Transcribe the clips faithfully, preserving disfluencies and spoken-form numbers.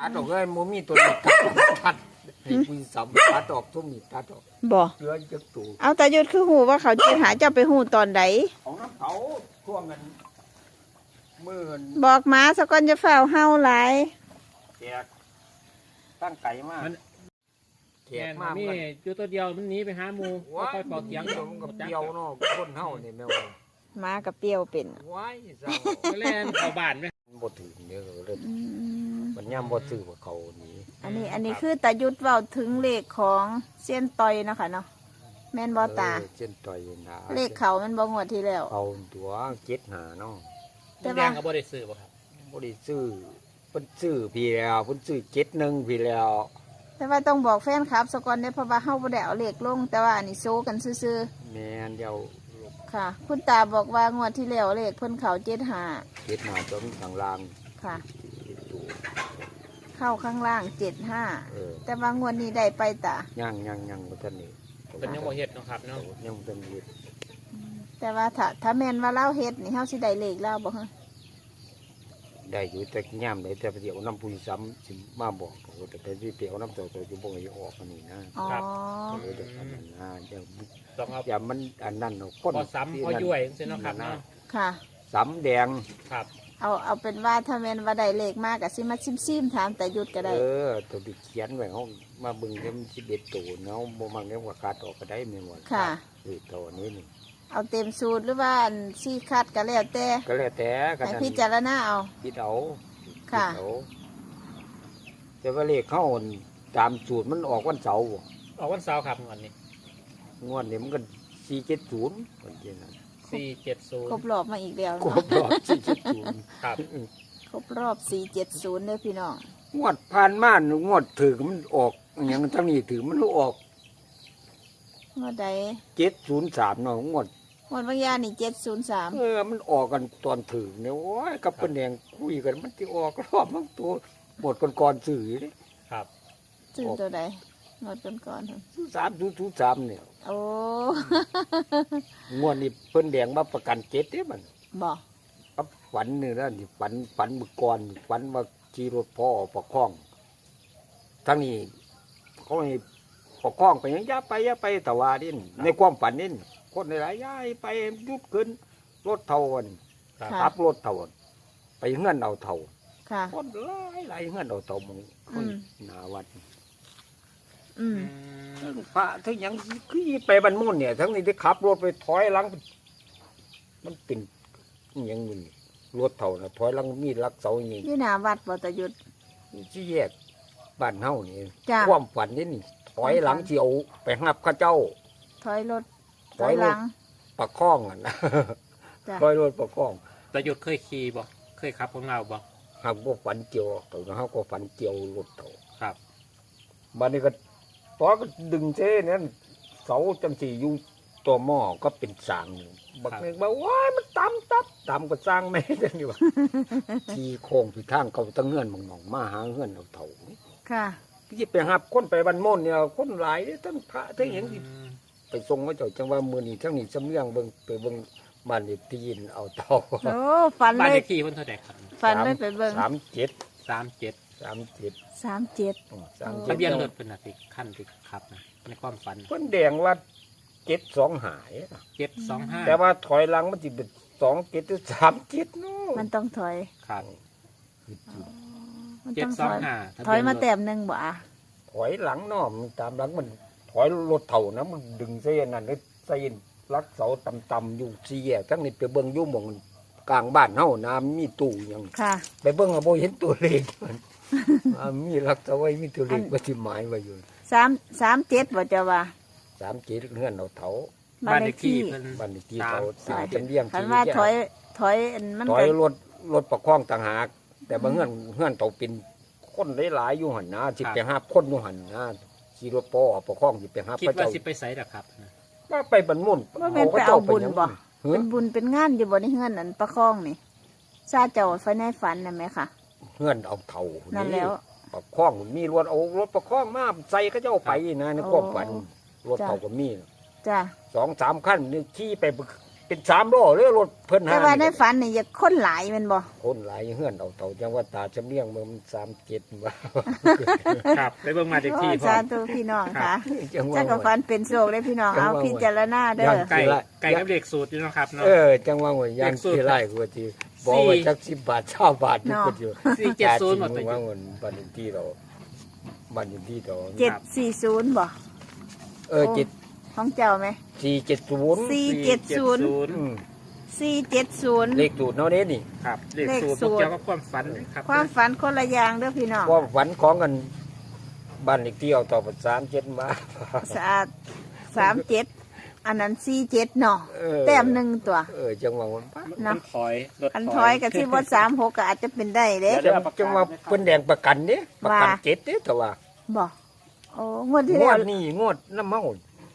ตัดออกเลยโมมีตัวนี้ตัดให้คุยสามตัดออกทุ่มนี่ตัดออกบ่เชื้อจะตูเอาตายุดคือหูว่าเขาจะหาเจ้าไปหูตอนใดของน้ำเขาท่วงกันมื่นบอกมาสะก่อนจะเฝ้าเฮาหลายแขกตั้งไก่มากแขแม่กนมากมีมันอยู่ตัวเดียวมันหนีไปหาหมูว้าค่อยๆปอกเสียงเดียวมันกับเดียวเนาะคนเฮานี่แม่ว่ามากับเปรี้ยวเป็นว้ายเศร้าก็เล่นเข้าบ้านไปมันบ่ถึงเด้อเลยอืมมันย่ำบ่ซื้อว่าเขานี่อันนี้อันนี้คือตายุดเว้าถึงเลขของเส้ยนต่อยเนาะค่ะเนาะแม่นบ่ตาเออเส้นต่อยนะเลขเขามันบ่งวดที่แล้วเขาตัวเจ็ดหาเนาะแต่แดว่างก็บ่ได้ซื้อบ่ครับบ่ได้ซื้อเพิ่นซื้อพี่แล้วเพิ่นซื้อเจ็ดหนึ่งพี่แล้วแต่ว่าต้องบอกแฟนคลับสะก่อนเด้อเพราะว่าเฮาบ่ได้เอาเลขลง แต่ว่าอันนี้โซกันซื่อแม่นเดียวๆค่ะ คุณตาบอกว่างวดที่แล้วเลขเพิ่นเขาเจ็ดห้าเจ็ดหาจนทางล่างค่ะตัวเข้าข้างล่างเจ็ดห้าเออแต่ว่างวดนี้ได้ไปตาย่างย่างย่างบ่ทันนี่เป็นยังบ่เฮ็ดเนาะครับเนาะยังบ่ทันเฮ็ดแต่ว่าถ้าถ้าแม่นว่าเล่าเฮ็ดนี่เฮาสิได้เลขเล่าบ่ฮะได้อยู่แต่ย่ามได้แต่เดี๋ยวน้ำผู้ซ้ำสิมาบอกโอ้แต่ไปที่เปียวน้ำตัวตัวอยู่บ่ให้ออกอันนี้นะอ๋อเออเดี๋ยวอันนั้นนะอย่าต้องเอาอย่ามันอันนั้นเนาะคนพอซ้ำพอย่วยจังซี่เนาะครับเนาะค่ะซ้ำแดงครับเอาเอาเป็นว่าถ้าแม่นว่าได้เลขมากก็สิมาซิมๆถามแต่หยุดก็ได้เออตัวที่เขียนไว้เฮามาเบิ่งเด้มันสิบเอ็ดตัวเนาะบ่มักเด้ว่าขาดออกก็ได้แม่นบ่ค่ะเออตัวนี้นี่เอาเต็มสูตรหรือว่าอันซี่คัดก็แล้วแต่ก็แล้วแต่กันให้นั้นพิจารณาเอาคิดเอาค่ะดเอาแต่ว่าเลขเข้าตามสูตรมันออกวันเสาร์บ่ออกวันเสาร์ครับงวดนี้งวดนี้มันก็สี่เจ็ดศูนย์คนเจนั้นสี่เจ็ดศูนครบย์รอบมาอีกแล้วครเนาะบรอบสี่เจ็ดศูนย์ครับครบรอบสี่เจ็ดศูนย์เด้อพี่น้องงวดผ่านมางวดถือมันออกอหย่างทั้งนี้ถือมันออกงวดใดเจ็ดศูนย์สามเนาะงวดงวดบางยานี่เจ็ดศูนย์สามเออมันออกกันตอนถือเนี่ยโอ้ยกับเป็นแดงคุยกันมันที่ออกรอบมันตัวหมดก่อนๆสื่อเลยครับซื้อตัวใดงวดก่อนๆหั่นสามศูนย์ศูนย์สามเนี่ยโอ้งวดนี้เพิ่นแดงมาประกันเจ็ดเนี่ยมันบ่ครับฝันนี่นะนี่ฝันฝันเมื่อก่อนฝันว่าขี่รถพ่อประคองทั้งนี้เขาให้ประคองไปยังอย่าไปอย่าไปแต่ว่านี่ในความฝันนี่คนหลายๆย้ายไปยุบขึ้นรถเท่ากันครับค่ะขับรถเท่ากันไปเงื่อนเอาเท่าค่ะคนหลายหลายเงื่อนเอาเท่ามึงคนอืมหนาวัดอืมพระทั้งหยังคือไปบรรมุนเนี่ย ทั้งนี้ที่ขับรถไปถอยหลัง มันเป็นอหยังมึงรถเท่านะถอยหลังมีลักเสาอย่างนี้อยู่หน้าวัดบ่ตะหยุดที่แยกบ้านเฮานี่จ้ะความฝันนี่นี่ถอยหลังที่เอาไปหับข้าเจ้าถอยรถถอยรถหลังประคองอ่ะนะจ้ะถอยรถประคองแต่หยุดเคยขี่บ่เคยขับของเราบ่หักบ่ฝันเจียวตัวนะเฮาก็ฝันเจียวรถเท่าครับบัดนี้ก็ตอก็ดึงเส้นนั้นเสาจังสีอยู่ตัวหม้อก็เป็นสางหนึ่งบักนึงบอกว้ายมันต่ำตับต่ำก็สร้างแม่จังนี่ว่า ที่โค้งที่ทางเขาตั้งเงื่อนมองๆมาหาเงื่อนเอาเถ่าค่ะที่ไปหับคนไปบันม่นเนี่ยคนหลายเด้อทั้งพระทั้งหยังที่อืมไปทรงเขาเจ้าจังว่ามือนี้ทั้งนี้สำเนียงเบิ่งไปเบิ่งบ้านเด็กที่ยินเอาเท่าโอ้ฝันบ้านเลเลย ขที่เพิ่นเท่าใดครับฝันเลยไปเบิ่งสามเจ็ดสามเจ็ดสามเจ็ดสามเจ็ดสามทะเจ็ดเบียนรถเพิ่นน่ะสิขั้นที่ขับนะในความฝันเพิ่นแดงว่าเจ็ดสองหายเจ็ดสองห้าแต่ว่าถอยหลังมันจะเป็นสองเจ็ดหรือสามเจ็ดเนาะมันต้องถอยครับมันเจ็ต้ดองสถองอยห้าถอยมาแต้มหนึ่งบ่อะถอยหลังเนาะมันตามหลังมันถอยรถเท่านะมันดึงเส้นนั่นเลยเส้นลักเสาต่ำๆอยู่สี่แยกทั้งนี้ไปเบิ่งอยู่หมองกลางบ้านเฮาน้ำมีตู้หยังค่ะไปเบิ่งก็บ่เห็นตัวเลขมัน อ่ามีลักเสาไว้มีตัวเลขว่าสิหมายไว้อยู่สามสามเจ็ดบ่จะว่าสามเจ็ดเฮือนเอาเถาบ้านเลขที่เพิ่นบ้านเลขที่สามเขาสามจังเลี้ยงคันที่ว่าแยกถอยถอยอันมันถอยก็รถรถประคองต่างหาก แต่บางเฮือนเฮือนเตาเป็นคนหลายๆอยู่หั่นนะสิไปหาคนอยู่หั่นนะขี่รถปอประคองสิไปหาคิดพระว่าเจ้าสิไปไสล่ะครับว่าไปบรรมุนว่าแม่นไปเอาบุญบ่เฮ้เป็นบุญเป็นงานอยู่บ่ในเฮือนนั่นประคองนี่ซาเจ้าไฟในฝันน่ะแม่ค่ะเฮือนเอาเท่านั่นั่นแล้วประคองมีรถเอารถประคองมาใส่เขาเจ้าไปนะในความฝันโอ้รถเท่าก็มีจ้ะสองสามขั้นนี่ขี่ไปเป็นสามล้อเลยรถเพิ่นแต่หาว่าในฝันนี่อยากคนหลายแมันบ่คนหลายเฮือนเอาเต่าจังว่าตาจำเนียงเมืองมันสามเจ็ดว่าครับไปเบิ่งมาเด็กที่โอ้พร้อสาม ธุพี่น้องค่ะจังว่าจักรฟันเป็นโศกเลยพี่น้อง เอาพิจารณาเด้อไก่ไก่กับเด็กสูตรนี่เนาะครับเนาะเออจังว่าหัวยยังที่ไร่กูทีบอกว่าจักสิบบาทเช่าบาทนี่กูอยู่สี่เจ็ดศูนย์หมดเลเลย ยว่าเงินบันที่เราบันที่เราเจ็ดสี่ศูนย์บ่เออเจ็ดของเจ้าไหมสี่เจ็ดศูนย์สี่เจ็ดศูนย์อืมสี่เจ็ดศูนย์เลขสูตรเนาะเนี่ยนี่ครับเด็กสูตรเลขสูตรเกี่ยวกับความฝันครับความฝันคนละอย่างเด้อพี่น้องความฝันของกันบ้านเลขที่เอาต่อไปสามเจ็ดมาสะอาดสามเจ็ดอันนั้นสี่เจ็ดเนาะเออแต้มหนึ่งตัวเออจังว่ามันมัเนาะนถอยรถอันถอยกับที่วัดสามหกก็อาจจะเป็นได้เด้จังจังว่าเพิ่นแดงประกันเนี่ยประกันว่าเจ็ดเนี่ยแต่ว่าบ่โอ้งวดที่งแล้ว วดนี่งวดน้ำเมาง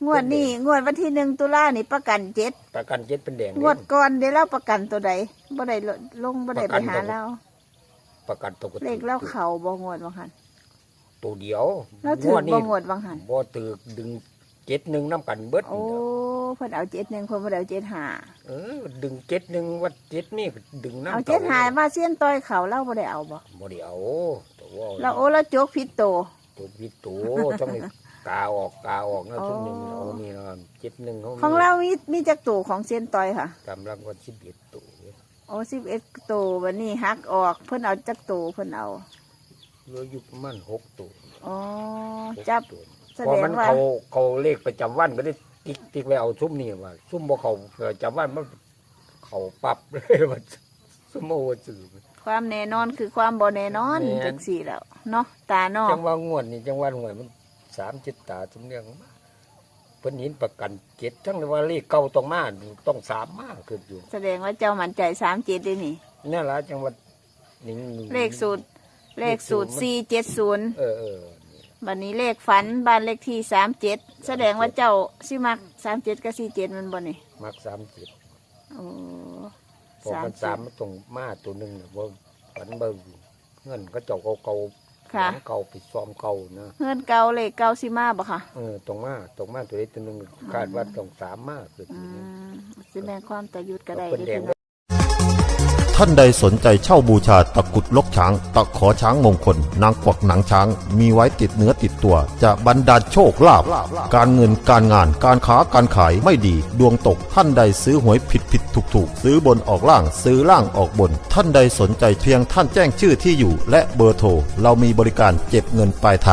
วดนี้งวดวันที่หนึ่งตุลานี่ประกันเจ็ดประกันเจ็ดเป็นแดงงวดก่อนได้เล่าประกันตัวใดบ่ได้ลงบ่ได้ไปหาเราประกันตกเลขเล่าเข่าบ่งวดบางหันตัวเดียวเราถือบ่นี้งวดบางหันบ่ตึกดึงเจ็ดหนึ่งน้ำกันเบิดโอ้เพิ่นเอาเจ็ดหนึ่งเพิ่นบ่ได้เอาเจ็ดห้าเออดึงเจ็ดหนึ่งว่าเจ็ดนี่ก็ดึงน้ำเอาเจ็ดห้ามาเสี้ยนต้อยเขาเล่าบ่ได้เอาบ่บ่ได้เอาแต่ว่าเราโอ้เราโจกผิดโตตัวพิษตัวต้องนี่กาออกกาออกนะทุกหนึ่งเอานี่นะเจ็ดหนึ่งเขาของเรามีมีจักโตของเสี้ยนต้อยค่ะกำลังวันสิบเอ็ดตัวโอ้สิบเอ็ดโตวันนี้หักออกเพิ่นเอาจักโตเพิ่นเอาเหลืออยู่ประมาณหกตัวอ๋อหกจับตัวแสพอดงมันว่าเขาเขาเลขประจำวันก็ได้ติ๊กติ๊กไว้เอาซุ่มนี่ว่าซุ่มบ่เขาประจำวันมันเขาปรับเลยว่าซุ่มโอ้สื่อความแน่นอนคือความบ่แน่นอนแม่นจังสี่แล้วเนาะตาเนอจักงว่างวดนี่จังว่าหวยมันสามจิตตาสมเนียงมาเพิ่นเห็นประกันเจ็ดทั้งว่าเลขเก่าต้องมาต้องสามมาคืออยู่แสดงว่าเจ้ามั่นใจสามเจ็ดเลยนี่นี่ล่ะจังว่านี่เลขสูตร เลขสูตรสี่เจ็ดศูนย์เออเออบัดนี้เลขฝันบ้านเลขที่สามเจ็ดแสดงว่าเจ้าสิมักสามเจ็ดกับสี่เจ็ดมันบ่นี่มักสามจิตโอ้พอมันสามมันต้องมาตัวหนึงน่ะบ่ฝันเบิ่งเงินก็เจ้าเก่าๆค่ะของเก่าไปซ้อมเก่านะเฮือนเก่าเลขเก่าสิมาบ่ค่ะเออตรงมาตรงมาตัวนี้ตัวหนึงคาดว่าต้องสามมาคืออืตัวนี้มสิแม่นความตะยุดก็ได้เป็นแดเด้งอท่านใดสนใจเช่าบูชาตะกรุดลกช้าง ตะขอช้างมงคล นางกวักหนังช้าง มีไว้ติดเนื้อติดตัว จะบรรดาลโชคลาภการเงินการงานการค้าการขายไม่ดี ดวงตกท่านใดซื้อหวยผิดผิดถูกถูกซื้อบนออกล่างซื้อล่างออกบน ท่านใดสนใจเพียงท่านแจ้งชื่อที่อยู่ และเบอร์โทรเรามีบริการเก็บเงินปลายทาง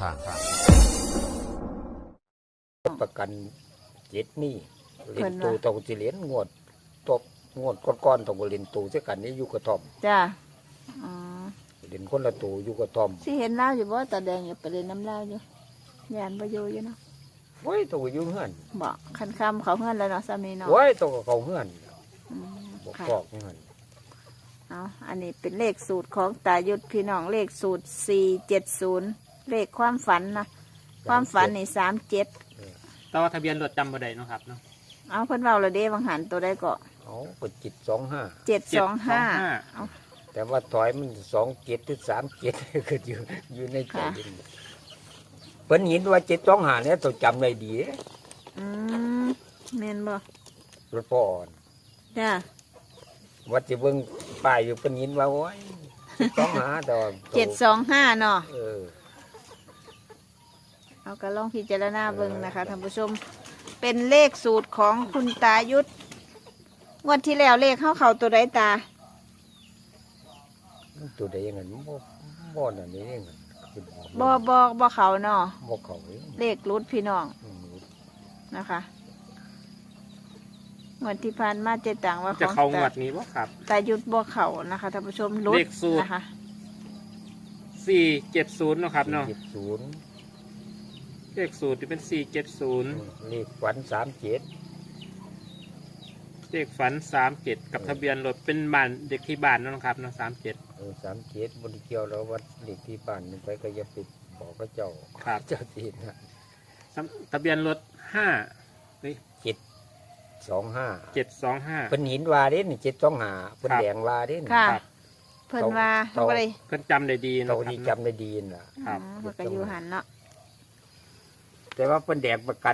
ประกันเจ็ดนี่เล่นตูต้องสิเหรียญงวดตบงวดก้อนๆต้องเล่นตูเสียกันนี่อยู่กระท่อมจ้าอ๋อเล่นคนละตูอยู่กระท่อมสิเห็นลาวอยู่บ่ตาแดงอยู่ไปเล่นน้ำลาวอยู่ยานบ่อยู่อยู่เนาะโอ้ยตัวอยู่เฮือนบ่คันคำเขาเฮือนแล้วเนาะสามีเนาะโอ้ยตัวก็เขาเฮือนอืมบอกค่ะบอกเฮือนเอาอันนี้เป็นเลขสูตรของตายุทธพี่น้องเลขสูตรสี่เจ็ดศูนย์เลขความฝันนะความฝันนี่สามเจ็ดแต่ว่าทะเบียนรถจำบ่ได้เนาะครับเนาะเอาเพิ่นเว้าและเด้บางหันตัวได้ก็เอาก็จิตสองห้าเจ็ดสองห้าแต่ว่าถอยมันสองเจ็ดหรือสามเจ็ด ก็อยู่อยู่ในใจเย็นเพิ่นเห็นว่าเจ็ดสองห้าเนี่ยตัวจำได้ดีเด้อืมแม่นบ่รถพ่ออ่อนจ้าวัดจะเบิ่งป้ายอยู่เพิ่นเห็นว่าโอ้ยสองห้าแต่ว่าเจ็ดสองห้าเนาะเออเอาก็ลองพิจารณาเบิ่งนะคะท่านผู้ชม เป็นเลขสูตรของคุณตายุทธงวดที่แล้วเลขเข้าเข่าตัวใดตาตัวใดอยังไงบ่บ่นั่นนี่เองคือบ่บ่บ่เขาเนาะบ่เขาเองเลขรุดพี่น้องอืมนะคะงวดที่ผ่านมาเจตังว่าจะของเข้างวตาดนี้บ่ครับตายุทธบ่เขานะคะท่านผู้ชมรุดเลขสูตรนะคะสี่เจ็ดศูนย์เนาะครับเนาะเจ็ดศูนย์เลขสูตรที่เป็นสี่เจ็ดศูนย์เลขฝันสามเจ็ดเลขฝันสามเจ็ดกับทะเบียนรถเป็นบ้านเด็กที่บ้านเนาะครับเนาะสามเจ็ดเออสามเจ็ดบนเกี่ยวแล้ววัดเลขที่บ้านมันไปก็อย่าไปบอกก็เจ้าครับเจ้าทีนะทะเบียนรถห้าเจ็ดสองห้าเจ็ดสองห้าเพิ่นหินวาเด้นี่เจ็ดสองห้าเพิ่นครับแดงวาเด้นี่ค่ะครับเพิ่นว่าเขาบ่ได้เพิ่นจำได้ดีเราเนาะครับนี่เนาะจำได้ดีน่ะครับอืมเพิ่นก็อยู่หันเนาะแต่ว่าเพิ่นแดงประกัน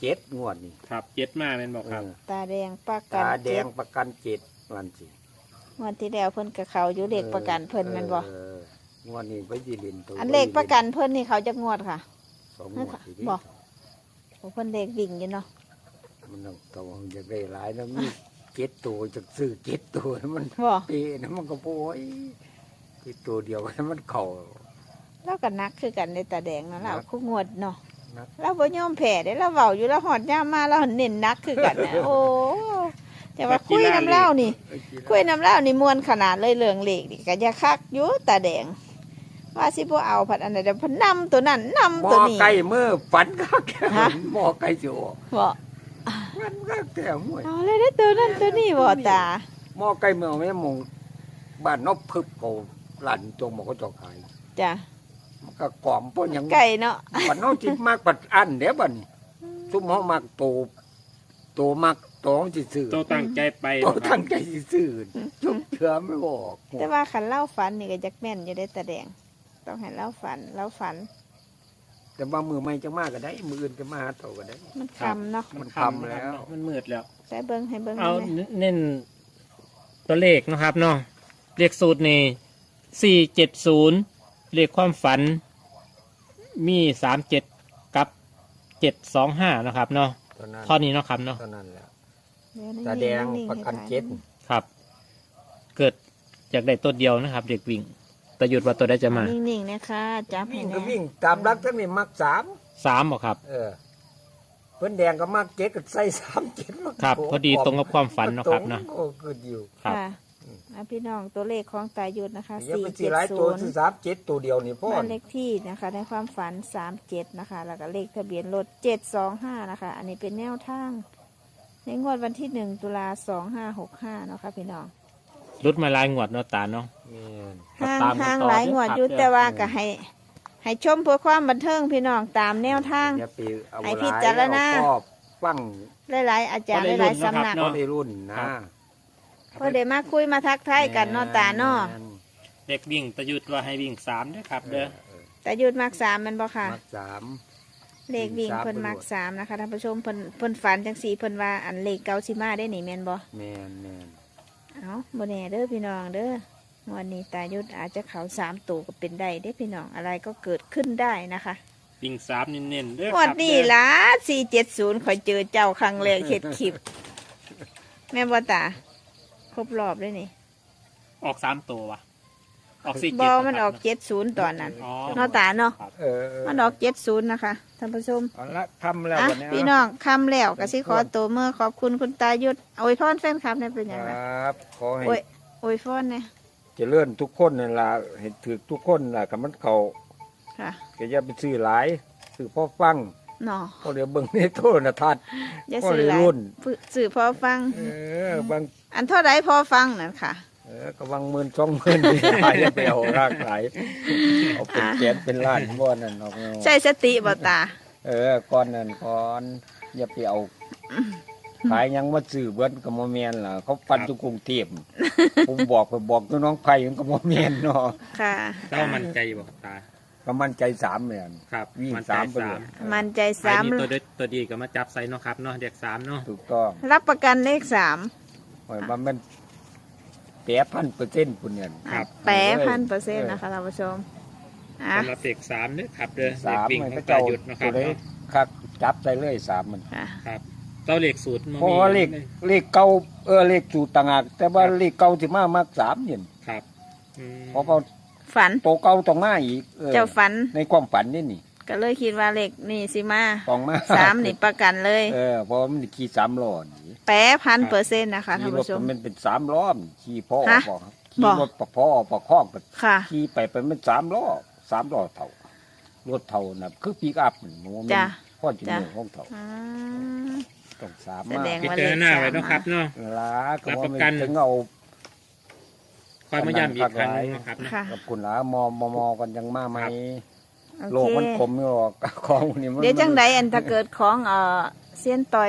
เจ็ดงวดนี่ครับเจ็ดมาเป็นบอกครับเออตาแดงประกันตาแดเจ็งดประกันเจ็ดวันสิงวดที่แล้วเพิ่นกับเขาอยู่เลขประกันเพิ่นแมันบ่เอองวดนี้ไปยีรินตัวอันเลขประกันเพิ่นนี่เขาจะงวดค่ะสองงวดทีนี้บอก โอ้เพิ่นเลขวิ่งอยู่เนาะมันต้องตัวอยากได้หลายแล้วมีเจ็ดตัวจะซื้อเจ็ดตัวมันบ่เปนะมันก็โอ้ยที่ตัวเดียวมันเข่าเราก็นักคือกันในตาแดงเนาะเรานักคู่งวดเนาะนักเราบ่ยอมแพ้ได้เราเว้าอยู่แล้วหอดย่ามมาเราเน้นนักคือกันนะโอ้แต่ว่าคุยน้ำเล่านี่ คุยน้ำเล่านี่มวนขนาดเลยเรื่องเลขนี่ก็อย่าคักอยู่ตาแดง ว่าสิบ่เอาผัดอันใดเดี๋ยวเพิ่นนำตัวนั้นนำหมตัวอนี้ไก่เมื่อฝันคักฮะหมอไก่สิออกบ่มันก็แต่ห่วยเอาเลยได้อตัวนั้นตัวนี้บ่ตาหมอไก่เมื่อแม่มงบ้านนบพึบเขาหลั่นตรงหมอเขาเจาะขายจ้ะมันก็กล่อมป้นหยังไก่เนาะปันน้องจิตมากปัดอันเดี๋ยวบัดนซุมเฮามากโตโตมากโตของจิซื้อโตตั้งใจไปโตตั้งใจสิซื้อจุบเถื่อไม่บอกแต่ว่าคันเล่าฝันนี่ก็จักแม่นอยู่ได้อตาแดง ต้องให้เล่าฝันเล่าฝันแต่ว่ามือไม่จะมากก็ได้ มืออื่นจะมาหาโตก็ได้มันคำเนาะมันทำแล้วมันมืดแล้วใช้เบิ้งให้เบิ้งเอาได้ไหมเน้นตัวเลขนะครับเนาะเลขสูตรนี่สี่เจ็ดศูนย์เลขความฝันมีสามเจ็ดกับเจ็ดสองห้านะครับเนาะเท่านั้นข้อนี้เนาะครับเนาะเท่านั้นแหละเยวนิ่งๆตาแดงนิ่งๆประกันให้เจ็ดถ่ายครับ เกิดจากได้ตัวเดียวนะครับ เด็กวิ่งแต่หยุดว่าตัวได้จะมานิ่งๆนะคะจับให้วิ่งแน่ก็วิ่งตามรักทั้งนี้มักสามสามบอกครับเออเพิ่นแดงก็มักเจ็ดก็ใส่สามเจ็ดมาครับ พอดีตรงกับความฝันเนาะครับเนาะโอ้คืออยู่ครับค่ะอ่ะพี่น้องตัวเลขของตายุทธนะคะอย่าสี่ไปซื้เจ็อดหลายศูตัวน ซื้อย์สามเจ็ดตัวเดียวนี่พ่อบ้านเลขที่นะคะ ในความฝันสามเจ็ดนะคะ แล้วก็เลขทะเบียนรถเจ็ดสองห้านะคะ อันนี้เป็นแนวทาง ในงวดวันที่หนึ่งตุลาสองห้าหกห้าเนาะค่ะพี่น้องรุดมาลายงวดเนาะตาเนาะแม่นครับห่างตามกันห่างต่อหลายงวดอยู่ครับแต่ว่าก็ให้ ให้ชมเพื่อความบันเทิงพี่น้องตามแนวทางอย่าไปเอาให้หพิลายจารณาเอาก็ฟังหลายๆอาจารย์หลายๆสำนักก็ได้รุ่นนะเพื่อได้มาคุยมาทักทายกันเนาะตาเนาะแม่นเด็กวิ่งแต่หยุดว่าให้วิ่งสามเด้อครับ เด้อเออแต่ยุดมักสามแมันบ่ค่ะมักสามเลขวิ่งสามเพิ่นมักไปโลดสามนะคะท่านผู้ชมเพิ่นเพิ่นฝันจังสีเพิ่นว่าอันเลขเก้าสิมาได้หนิแม่นบ่แมนแมนเอาบ่แน่เด้อพี่น้องเด้อวันนี้ตายุทธอาจจะเขาสามตัวก็เป็นได้เด้อพี่น้องอะไรก็เกิดขึ้นได้นะคะวิ่งสามเน้นๆเด้อควัรันบนี้เด้อล่ะสี่เจ็ดศูนย์ข่อยเจอเจ้าครั้งแรกเฮ็ดคลิป แม่นบ่ตาครบรอบเลยนี่ออกสามตัววะออกสี่บเจ็ดอมันออกเจ็ดศูนย์ตอนนั้นอ๋อเนาะตาเนาะเออเออมันออกเจ็ดศูนย์นะคะท่านผู้ชมเอาละทำแล้วอ่ะวันนี้พี่น้องคำแล้วก็สิขอตัวเมื่อขอบคุณคุณตายุทธอวยพรแฟนคลับเนี่ยเป็นคยังไงรับขอให้โอ้ยอวยพรเนี่ยเจริญทุกคนนั่นล่ะเห็นถือทุกคนล่ะกับมันเขาค่ะก็อย่าไปซื้อหลายซื้อพ่อฟังเนาะพอเดี๋ยวเบิ่งในโทรทัศน์อย่าพอสื่อได้หลายรุ่นฝึกสื่อพอฟังเออบางอันเท่าไรพอฟังนั่นค่ะเออก็วางหมื่นสองหมื่นนี่หลายอย่าไปเอารากหลายเอาเป็นแสนเป็นล้านบ่นั่นเอาเอาใช้สติบ่ตาเออก่อนนั่นก่อนอย่าไปเอาขายหยังมาซื้อเบิ้นก็บ่แม่นล่ะเขาฟันทุกกรุงเทพผมบอกไปบอกน้องๆไผมันก็บ่แม่นเนาะค่ะเจ้ามั่นใจอยู่บ่ครับตาก็มั่นใจสามแม่นครับวิ่งมั่นใจสามไปเลยมันใจใครสามมีตัวเด็ดตัวดีก็มาจับใส่เนาะครับเนาะเด็กสามเนาะถูกต้องรับประกันเลขสามหอยว่ามันแปดพันเปอร์เซ็นต์พุ่นเนี่ยครับแปดพันเปอร์เซ็นต์นะคะท่านผู้ชมอ่ะสำหรับเด็กสามเด้อครับเด้อเด็สาก มวิ่งมันขอก็งตาเจ้าหยุดเนาะคตัรัวบได้เนาะคักจับใส่เลยสามมันค่ะครับเจ้าเลขสูตรมันเพราะว่าเลขเลขเก่าเออเลขสูตรต่างหากแต่ว่าเลขเก่าที่มามากสามเนี่ยครับอืมเพราะเขาฝันโตเก่าต้องมาอีกออเจ้าฝันในความฝันนี่นี่ก็เลยคิดว่าเลขนี่สิมาต้องมาสามนี่ประกันเลยเออเพราะว่ามันขี่สามล้อนี่แปดพันเปอร์เซ็นต์นะคะท่าขี่นรถผู้ชมมันเป็นสามล้อมขี่พ่อฮะบอกครับขี่บอกรถปะพ่อปะคล้องกันค่ะขี่ไปไปมันสามล้อสามล้อเท่ารถเท่าน่ะคือปีกอัพนี่โมเมนจ้ะพ่อจิ๋จ้ะวของเท่าอืมต้องสามแสมาดงพิจารณาไว้เนาะครับเนาะลาก็รับว่าประไม่กันถึงเอาคอยมาย้ำอีกครั้งหนึงเนาะครับเนาะค่ะกับคุณหลามอมอมอกันยังมาไหมครับโอโลเคกมันคมไม่หรอก ของพวกนี้มันเดี๋ยวจังใดอันถ้าเกิดของเอ่อเซียนต่อย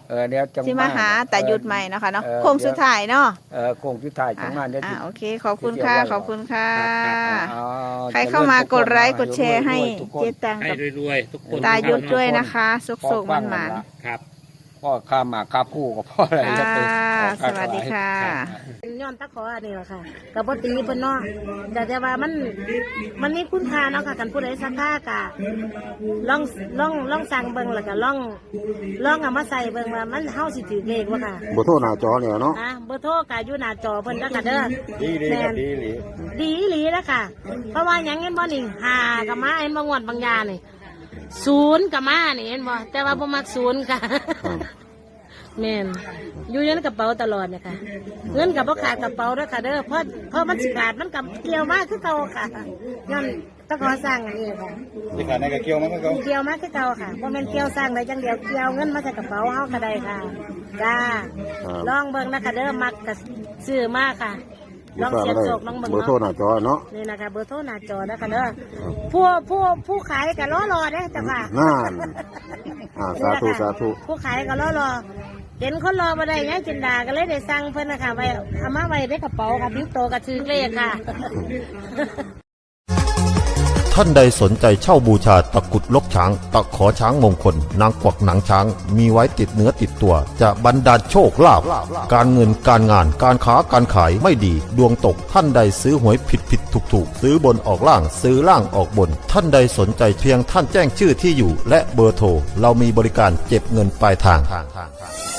เออเดี๋ยวจะสิมาหาแต่หยุดใหม่เนาะค่ะเนาะเออโค้งสุดท้ายเนาะเออโค้งสุดท้ายของงานเดี๋ยวอ่าสิโอเคขอบคุณค่ะเดี๋ยวขอบคุณค่ะเอาใครเข้ามากดไลค์กดแชร์ให้ทุกคนเจ๊ตังให้กับรวยๆทุกคนตายุดทุกคนด้วยนะคะสุกพ่อสุกฟัมังนหมานละครับพ่อข้ามมาข้าคู่กับพ่ออะไรอ่าจะไปออกสค่าวัสดีค่ะย้อนตะขออันนี้แหละค่ะกับปตีเพิ่นเนาะแต่แต่ว่ามันมันมีคุณค่าเนาะค่ะกันผู้ใดสักค่ากะลองลองลองสั่งเบิ่งแล้วก็ลองลองเอามาใส่เบิ่งว่ามันเฮาสิถือเลขบ่ค่ะบ่โทรหน้าจอเนี่ยเนาะนะเบอร์โทรก็อยู่หน้าจอเพิ่นแล้วก็เด้อดีดีแม่ครับนดีดีดีอีหลีแล้วค่ะ เพราะว่าหยังเห็นบ่นี่หากับมาเห็นบ่งวดบางยานี่ศูนย์กับมานี่เห็นบ่แต่ว่าบ่มักศูนย์ค่ะ แม่นอยู่ในกระเป๋าตลอดเนี่ยค่ะเงินกับพ่ขาดกระเป๋าด้วยค่ะเด้อเพราะเพราะมันสิขาดมันกับเกี่ยวมากคือเก่าค่ะย้อนต้องขอสร้างอันนี้ค่ะที่ขาดในกระเกี่ยวมันก็เกี่ยวมากคือเก่าค่ะเพราะมันเกี่ยวสร้างได้จังเดียวเกี่ยวเงินมาใส่กระเป๋าเฮาก็ได้ค่ะจ้าลองเบิ่งนะคะเด้อมักกับซื้อมากค่ะลองเสียบโศกลองเบิ่งเบอร์โทรหเนาะน้าจอเนาะนี่นะคะเบอร์โทรหน้าจอนะคะเด้อผู้ผู้ผู้ขายก็รอรอเด้อจ้ะค่ะนั่นอ่าสาธุสาธุผู้ขายก็รอรอเห็นคนรอมาได้ยังจินดาก็เลยได้สั่งเพิ่นนะคะไว้เอามาไว้ในกระเป๋าค่ะบิ้วโตกระชือเลขค่ะท่านใดสนใจเช่าบูชาตะกรุดลกช้าง ตะขอช้างมงคล นางกวักหนังช้าง มีไว้ติดเนื้อติดตัว จะบรรดาลโชคลาภการเงินการงานการค้าการขายไม่ดี ดวงตกท่านใดซื้อหวยผิดผิดถูกถูกซื้อบนออกล่างซื้อล่างออกบน ท่านใดสนใจเพียงท่านแจ้งชื่อที่อยู่ และเบอร์โทรเรามีบริการเก็บเงินปลายทาง